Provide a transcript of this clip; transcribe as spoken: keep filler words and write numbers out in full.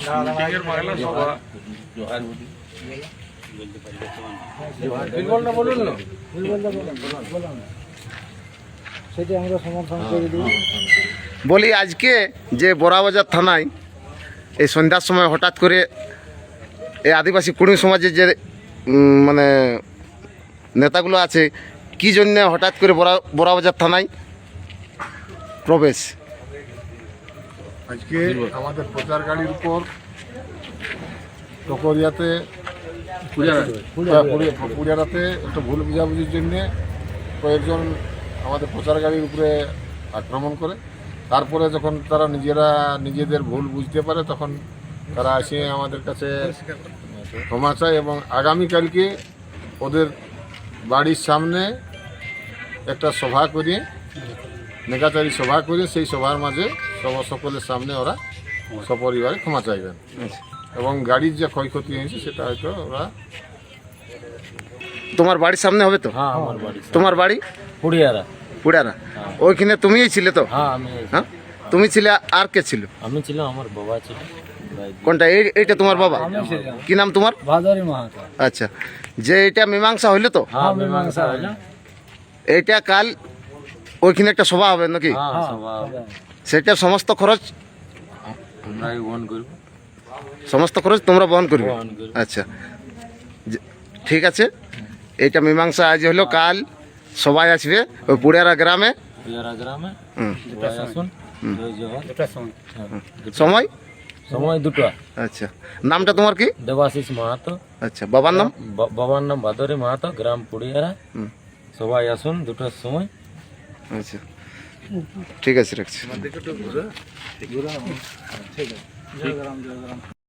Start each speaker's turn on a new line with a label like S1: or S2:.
S1: বলি আজকে যে বড়াবাজার থানায় এই সন্ধ্যার সময় হঠাৎ করে এই আদিবাসী কুড়মি সমাজের যে উম, মানে নেতাগুলো আছে কি জন্য হঠাৎ করে বড়া বড়াবাজার থানায় প্রবেশ?
S2: আজকে আমাদের প্রচার গাড়ির উপর টকরিয়াতে পুরিয়ারাতে একটা ভুল বুঝাবুঝির জন্যে কয়েকজন আমাদের প্রচার গাড়ির উপরে আক্রমণ করে। তারপরে যখন তারা নিজেরা নিজেদের ভুল বুঝতে পারে তখন তারা এসে আমাদের কাছে ক্ষমা চায় এবং আগামীকালকে ওদের বাড়ির সামনে একটা সভা করে নেকাচারী সভা করে সেই সভার মাঝে সব সকলের সামনে ওরা সপরিবারে ক্ষমা চাইবেন এবং গাড়ির যে ক্ষয়ক্ষতি হয়েছে সেটা হয়তো ওরা।
S1: তোমার বাড়ির সামনে হবে তো?
S3: হ্যাঁ আমার বাড়ি
S1: তোমার বাড়ি
S3: পুড়িয়ারা।
S1: পুড়ারা? ওইখানে তুমিই ছিলে তো?
S3: হ্যাঁ আমি
S1: হ্যাঁ তুমি ছিলে, আর কে ছিল?
S3: আমি ছিলাম, আমার বাবা ছিল।
S1: কোনটা? এই এইটা তোমার বাবা? কি নাম তোমার?
S3: ভাদরি মাহাতো।
S1: আচ্ছা, যে এটা মীমাংসা হইলো তো?
S3: হ্যাঁ মীমাংসা হলো।
S1: এইটা কাল ওইখানে একটা সভা হবে নাকি?
S3: হ্যাঁ সভা
S1: সেটা সমস্ত খরচ
S3: আমরাই বহন করব।
S1: সমস্ত খরচ তোমরা বহন করবে?
S3: বহন করব।
S1: আচ্ছা যে- ঠিক আছে, এইটা মীমাংসা আজ হলো, কাল সবাই আসবে ওই পুড়িয়ারা গ্রামে।
S3: পুড়িয়ারা গ্রামে
S1: হুম।
S3: সবাই আসুন। জয় জওয়ান। দুটা সময়।
S1: সময়
S3: সময় দুটো।
S1: আচ্ছা, নামটা তোমার কি?
S3: দেবাশিস মাহাতো।
S1: আচ্ছা, বাবার নাম?
S3: বা- বাবার নাম ভাদরি মাহাতো, গ্রাম পুড়িয়ারা।
S1: হুম।
S3: সবাই আসুন দুটোর সময়।
S1: আচ্ছা ঠিক আছে, রাখছি।